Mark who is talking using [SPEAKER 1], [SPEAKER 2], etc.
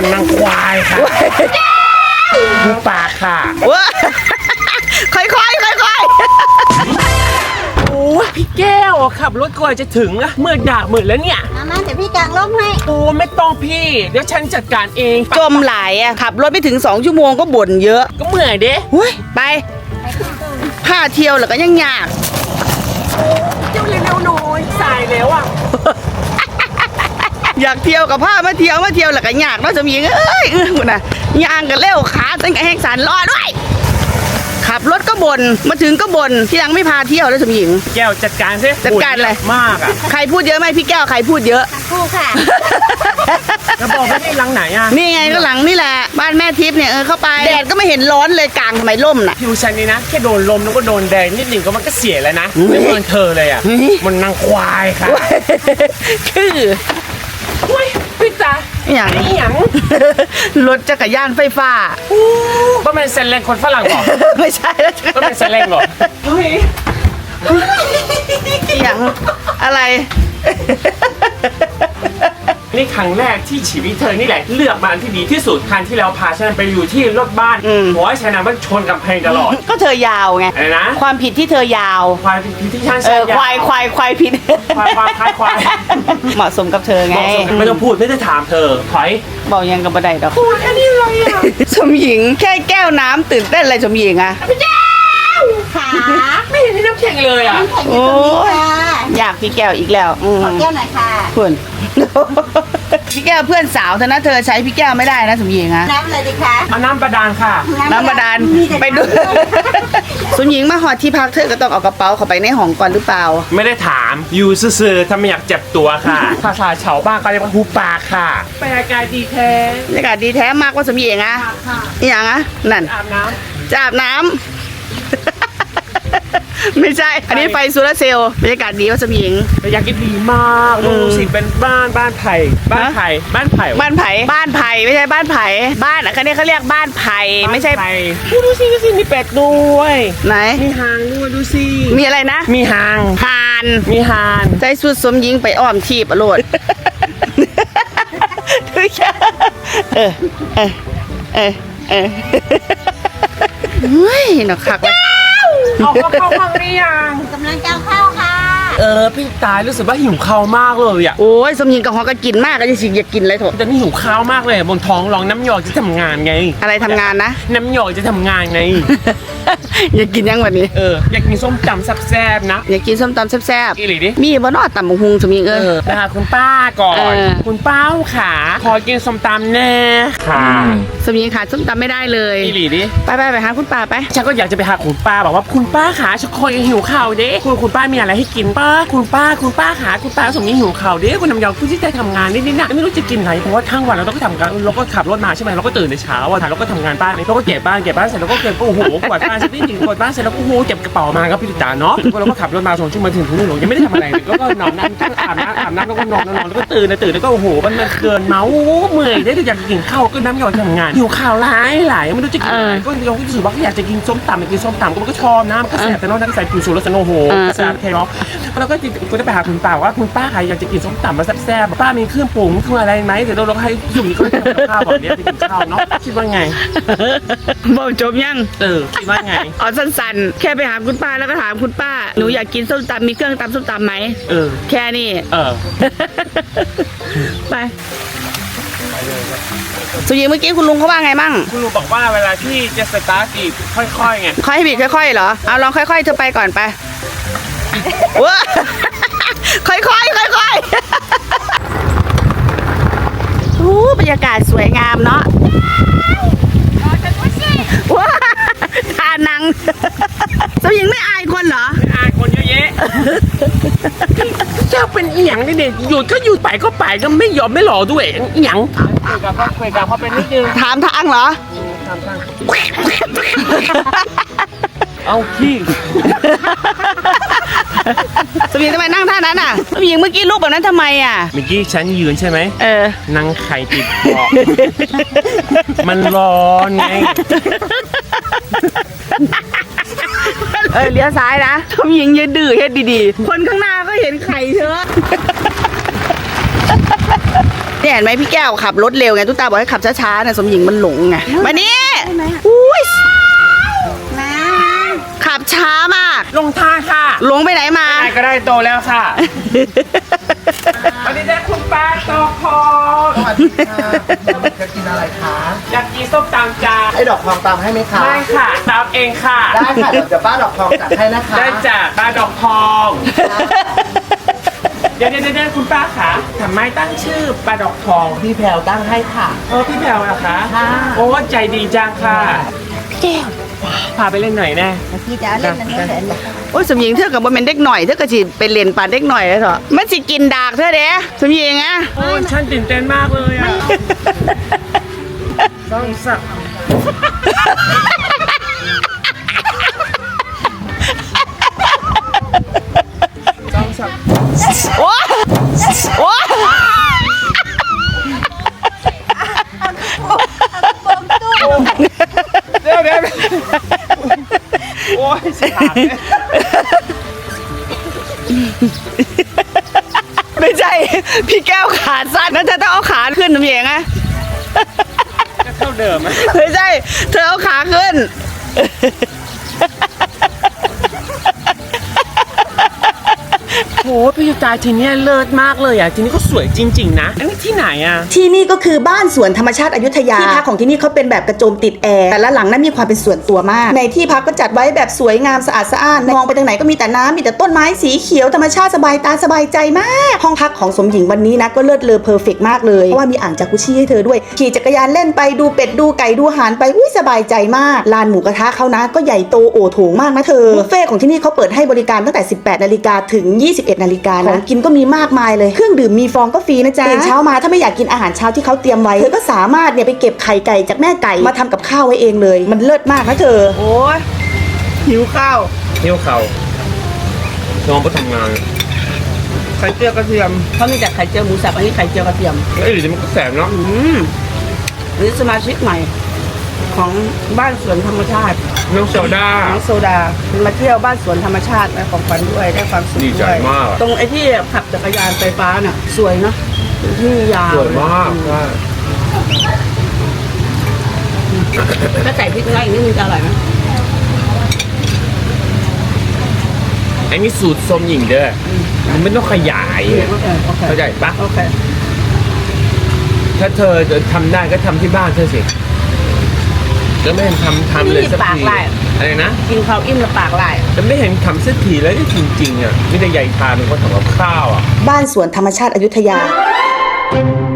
[SPEAKER 1] นางควายค่ะดูปากค่ะ
[SPEAKER 2] ค่อย
[SPEAKER 1] โอ้ยพี่แก้วขับรถกว่าจะถึงอะมืดด่ามืดแล้วเนี่ย
[SPEAKER 3] มาเดี๋ยวพี่กางร่มให้
[SPEAKER 1] โอ้ไม่ต้องพี่เดี๋ยวฉันจัดการเอง
[SPEAKER 2] จมหลายอะขับรถไม่ถึง2 ชั่วโมงก็บ่นเยอะ
[SPEAKER 1] ก็เมื่อยเด้
[SPEAKER 2] ไปผ้าเที่ยวแล้วก็ยังยาก
[SPEAKER 1] เจ้าเร็วๆหน่อยสายแล้วอะ
[SPEAKER 2] อยากเที่ยวกับผ้ามาเที่ยวแล้วก็ยากเนาะสมหญิงเอ้ยคุณน่ะย่างกันเร็วขาตั้งแต่แห้งสันรอด้วยขับรถก็บ่นมาถึงก็บ่นที่ยังไม่พาเที่ยวแล้วสมหญิง
[SPEAKER 1] แก้วจัดการสิ
[SPEAKER 2] จัดการอะไร
[SPEAKER 1] มากอะ
[SPEAKER 2] ใครพูดเยอะไหมพี่แก้วใครพูดเยอะ
[SPEAKER 3] คู่ค่ะ
[SPEAKER 1] แล้วบอกไม่ได้หลังไหนอะ
[SPEAKER 2] นี่ไงก็หลังนี่แหละบ้านแม่ทิพย์เนี่ยเข้าไปแดดก็ไม่เห็นร้อนเลยกลางทำไมร่มน่ะ
[SPEAKER 1] ผิวฉันนี่นะแค่โดนลมแล้วก็โดนแดดนิดหนึ่งก็มันก็เสียแล้วนะไม่เหมือนเธอเลยอะมันนางควายค่ะ
[SPEAKER 2] คือ
[SPEAKER 1] พี่จ๋าอย่าง
[SPEAKER 2] รถจักรยานไฟฟ้า
[SPEAKER 1] ก็เป็นเซนเลงคนฝรั่งหรอ
[SPEAKER 2] ไม่ใช่แล้ว
[SPEAKER 1] ก็เป็นเซนเลงหรอ
[SPEAKER 2] อย่างอะไร
[SPEAKER 1] นี่ครั้งแรกที่ชีวิตเธอนี่แหละเลือกมาอันที่ดีที่สุดครั้งที่แล้วพาฉันไปอยู่ที่รถบ้านหัวฉันนั้นมันชนกับเพลงตลอด
[SPEAKER 2] ก็เธอยาวไง
[SPEAKER 1] อะไรนะ
[SPEAKER 2] ความผิดที่เธอยาว
[SPEAKER 1] ควายผิดที่ฉัน
[SPEAKER 2] ควายผิด
[SPEAKER 1] ควาย
[SPEAKER 2] เหมาะสมกับเธอไง
[SPEAKER 1] ไม่ต้องพูดไม่ได้ถามเธอถอย
[SPEAKER 2] บอกยังกับบันไดดอก
[SPEAKER 1] พูดแค่นี้เลยอะ
[SPEAKER 2] สมหญิงแค่แก้วน้ำตื่นเต้นอะไรสมหญิงอะ
[SPEAKER 3] ขา
[SPEAKER 1] ไม่เห็นที่น้ำแข็งเลยอะ
[SPEAKER 2] โอ้ยอยากพี่แก้วอีกแล้ว
[SPEAKER 3] ขอแก้วหน่อยค่ะ
[SPEAKER 2] คุณพี่แก้วเพื่อนสาวเธอนะเธอใช้พี่แก้วไม่ได้นะสมหญิงอะ
[SPEAKER 3] น้ำอะไรดีคะ
[SPEAKER 1] เอาน้ำบาดาลค่ะ
[SPEAKER 2] น้ำบาดาลไปดูสมหญิงมาหอดที่พักเธอก็ต้องเอากระเป๋าเข้าไปในห้องก่อนหรือเปล่า
[SPEAKER 1] ไม่ได้ถามอยู่ซื่อๆถ้าไม่อยากเจ็บตัวค่ะภาษาชาวบ้านเขาเรียกว่าหูปากค่ะบรรยากาศดีแท้
[SPEAKER 2] บรรยากาศดีแท้มากว่าสมหญิงอะอย่างอะนั่น
[SPEAKER 1] อาบน้ำ
[SPEAKER 2] จะอาบน้ำไม่ใช่อันนี้ไฟโซลาร์เซลล์บรรยากาศดีว่าสมหญิง
[SPEAKER 1] บรรยากาศดีมากดูสิเป็นบ้านไผ่บ้านไผ่
[SPEAKER 2] บ้านไผ่ไม่ใช่บ้านไผ่บ้านอันนี้เขาเรียกบ้านไผ่ไม่ใช่
[SPEAKER 1] ดูสิมีเป็ดด้วย
[SPEAKER 2] ไหน
[SPEAKER 1] มีหางด้วยดูสิ
[SPEAKER 2] มีอะไรนะ
[SPEAKER 1] มีหางมีหาง
[SPEAKER 2] ใจสุดสมหญิงไปอ้อมทีบอรรถเฮ้ยหนักคักเลย
[SPEAKER 1] เอาเข้าห้องหรือยัง
[SPEAKER 3] กำลังจะเข้าค่ะ
[SPEAKER 1] พี่ตายรู้สึกว่าหิวข้าวมากเลยอ่ะ
[SPEAKER 2] โอ้ยสมหญิงกับฮอก็กินมากก็จะสิอยากกินอะไรเถอะ
[SPEAKER 1] แต่นี่หิวข้าวมากเลยบนท้องร้องน้ำหยอกจะทำงานไง
[SPEAKER 2] อะไรทำงานนะ
[SPEAKER 1] น้ำหยอกจะทำงานไง
[SPEAKER 2] อยากกินยังวันนี้
[SPEAKER 1] อยากกินส้มตำแซ่บๆนะ
[SPEAKER 2] อยากกินส้มตำแซ่บ
[SPEAKER 1] ๆอีหลีดิ
[SPEAKER 2] มีบ่นอตำบักหุ่งสมหญิง
[SPEAKER 1] นะคะคุณป้าก่อนคุณป้าขาขอกินส้มตำแน่ค่ะ
[SPEAKER 2] สมหญิงขาดส้มตำไม่ได้เลย
[SPEAKER 1] อีหลีดิ
[SPEAKER 2] ไปหาคุณป้าไป
[SPEAKER 1] ฉันก็อยากจะไปหาคุณป้าบอกว่าคุณป้าขาฉันคอยหิวข้าวเด้คุณป้ามีอะไรให้กินป้าคุณป้าขาคุณป้าสมนี้หิวข้าวเด้คุณน้ำยองคุณที่ได้ทำงานนิดๆนะไม่รู้จะกินอะไรเพราะว่าทั้งวันเราต้องทำงานเราก็ขับรถมาใช่ไหมเราก็ตื่นในเช้าเราก็ทำงานบ้านเราก็เก็บบ้านเสร็จเราก็เก็บโอ้โหกวาดบ้านเสร็จนี่ถึงกวาดบ้านเสร็จแล้วโอ้โหเก็บกระเป๋ามาครับพี่จ๋าเนาะเราก็ขับรถมา2 ชั่วโมงถึงนู่นยังไม่ได้ทำอะไรก็นอนนั่งอาบน้ำแล้วก็นอนแล้วก็ตื่นแล้วก็โอ้โหมันเกินเมาเมื่อยได้อยากกินข้าวก็น้ำยองทำงานหิวข้าวหลายไม่รู้จะกินอะไรก็เราก็รู้สึกว่าอยากจะกินส้มตำก็มันก็ชอบนะมันก็แซ่บแต่นอกนั้นใส่ผิวสูรสโนโหแซ่บเทล็อกแล้วก็จะไปหาคุณป้าว่าคุณป้าใครอยากจะกินส้มตำมาแซ่บป้ามีเครื่องปรุงเครื่องอะไรไหมเดี๋ยวเราให้ยุ่งนี่ก็ทำข้าวแบบนี้จะกินข้าวเนาะคิดว่าไง
[SPEAKER 2] บอกจบยัง
[SPEAKER 1] คิดว่าไง
[SPEAKER 2] เอาสั้นๆแค่ไปหาคุณป้าแล้วก็ถามคุณป้าหนูอยากกินส้มตำมีเครื่องตำส้มตำไหมแค่นี้ไปสุยิงเมื่อกี้คุณลุงเขาว่าไงมั่ง
[SPEAKER 1] คุณลุงบอกว่าเวลาที่จะสตาร์ทบีบค่อยๆไง
[SPEAKER 2] ค่อยบีบค่อยๆเหรอเอาลองค่อยๆเธอไปก่อนไปว้าค่อยบรรยากาศสวยงามเนาะว้าทานังสุยิงไม่อายคนเหรอ
[SPEAKER 1] ไม่อายคนเยอะแยะเจ้าเป็นอีหยังเนี่ยหยุดก็หยุดไปก็ไปก็ไม่ยอมไม่หล่อด้วยอีหยังคุยกับเขาเป็นนิดนึง
[SPEAKER 2] ถามทางเหรอ
[SPEAKER 1] ถามทางเอาขี้
[SPEAKER 2] สมิงทำไมนั่งท่านั้นอ่ะสมิงเมื่อกี้ลูกแบบนั้นทำไมอ่ะ
[SPEAKER 1] เมื่อกี้ฉันยืนใช่ไหมนั่งไข่ติดเบาะมันร้อนไง
[SPEAKER 2] เลี้ยวซ้ายนะสมิงอย่าดื้อเฮ็ดดีๆคนข้างหน้าก็เห็นไข่เถอะเนี่ยเห็นไหมพี่แก้วขับรถเร็วไงตุ๊กตาบอกให้ขับช้าๆนะสมหญิงมันหลงไงมานี่อุ้ย
[SPEAKER 3] มา
[SPEAKER 2] ขับช้ามาก
[SPEAKER 1] ลงทางค่ะ
[SPEAKER 2] หลงไปไหนมา
[SPEAKER 1] ได้ก็ได้โตแล้วค่ะวันนี้ได้คุณป้าตอพอง
[SPEAKER 4] สวัสดีค่ะจะกินอะไรคะ
[SPEAKER 1] อยากกินส้มตำจ้า
[SPEAKER 4] ให้ดอกทองตามให้ไหมคะ
[SPEAKER 1] ไม่ค่ะตำเองค่ะ
[SPEAKER 4] ได้ค่ะเดี๋ยวป้าดอกทองจัดให้นะคะ
[SPEAKER 1] ได้จ้ะป้าดอกทอง เดี๋ยวคุณป้าคะทำไมตั้งชื่อป้าดอกทอง
[SPEAKER 4] พี่แพรวตั้งให้ค่ะ
[SPEAKER 1] พี่แพรวเหรอคะ
[SPEAKER 4] ค่ะ
[SPEAKER 1] โอ้ใจดีจังค่ะพี่แก้วพาไปเล่นหน่อยแน่
[SPEAKER 3] พี่จะเล่นนั่นเล่น
[SPEAKER 2] โอ้ยสมหญิงเธอกับบ่เป็นเด็กหน่อยเธอก็สิเป็นเล่นปานเด็กหน่อยเลยเถอะมันสิกินดากเธอเด้สมหญิงอะ
[SPEAKER 1] โอ้ฉันตื่นเต้นมากเลยอ่ะต้องสัก
[SPEAKER 2] โอ้โอ้
[SPEAKER 1] เดี๋ยวโอ้ยสิขาดเลย
[SPEAKER 2] ไม่ใช่พี่แก้วขาสั้นนั่นเธอต้องเอาขาขึ้นสมหญิงอะ
[SPEAKER 1] จะเท่าเดิมไหม
[SPEAKER 2] ไม่ใช่เธอเอาขาขึ้น
[SPEAKER 1] โหพี่ตาทีเนี้ยเลิศมากเลยอ่ะทีนี้ก็สวยจริงๆนะอันนี้ที่ไหนอ่ะ
[SPEAKER 5] ที่นี่ก็คือบ้านสวนธรรมชาติอยุธยาที่พักของที่นี่เขาเป็นแบบกระโจมติดแอร์แต่ละหลังนั้นมีความเป็นส่วนตัวมาก ในที่พักก็จัดไว้แบบสวยงามสะอาดสะอ้านมองไปทางไหนก็มีแต่น้ำมีแต่ต้นไม้สีเขียวธรรมชาติสบายตาสบายใจมากห้องพักของสมหญิงวันนี้นะก็เลิศเลอเพอร์เฟกต์มากเลยเพราะว่ามีอ่างจากุชิให้เธอด้วยขี่จักรยานเล่นไปดูเป็ดดูไก่ดูห่านไปอุ้ยสบายใจมากลานหมูกระทะเขานะก็ใหญ่โตโอโถงมากนะเธอบุฟเฟ่ของที่นี่เขาเปิดให้บริการตั้งแต่ 18 นาฬิกาถึง 21 นาฬิกานะของกินก็มีมากมายเลยเครื่องดื่มมีฟองก็ฟรีนะจ๊ะตื่นเช้ามาถ้าไม่อยากกินอาหารเช้าที่เขาเตรียมไว้เธอก็สามารถเนี่ยไปเก็บไข่ไก่จากแม่ไก่มาทำกับข้าวไว้เองเลย มันเลิศมากนะเธอ
[SPEAKER 2] โอ้ยหิวข้าว
[SPEAKER 1] เที่ยวเขาน้องไปทำงาน
[SPEAKER 2] ไข่เจียวกระเทียมเขามีแต่ไข่เจียวหมูสับอันนี้ไข่เจียวกระเทียม
[SPEAKER 1] เอ้ยเดี๋ยวมันก็แสบเนาะ
[SPEAKER 2] หรือสมาชิกใหม่ของบ้านสวนธรรมชาติ
[SPEAKER 1] น้องโซดา
[SPEAKER 2] น้องโซดามาเที่ยวบ้านสวนธรรมชาติได้ของขวัญด้วยได้ความสุข
[SPEAKER 1] ดีใจ
[SPEAKER 2] ด้วย
[SPEAKER 1] มาก
[SPEAKER 2] ตรงไอ้ที่ขับจักรยานไฟฟ้าน่ะสวยเนาะที่ยาว
[SPEAKER 1] สวยมากใช่
[SPEAKER 2] ถ้าใส่พริกน้อยอีกนิดนึงจะอร่อยไหม
[SPEAKER 1] ไอ้นี่สูตรส้มหญิงเด้อมันไม่ต้องขยาย
[SPEAKER 2] โอเคโอเค
[SPEAKER 1] เข้าใจปะ
[SPEAKER 2] โอเค
[SPEAKER 1] ถ้าเธอจะทำได้ก็ทำที่บ้านเธอสิจะไม่เห็นทำเลยสักทีอะไรนะ
[SPEAKER 2] กินข้าวอิ่มแล้วปากไหล
[SPEAKER 1] จะไม่เห็นทำสักทีแล้วจริงๆอ่ะไม่ได้ใหญ่ทานมันก็ทำกับข้าวอ่ะ
[SPEAKER 5] บ้านสวนธรรมชาติอยุธยา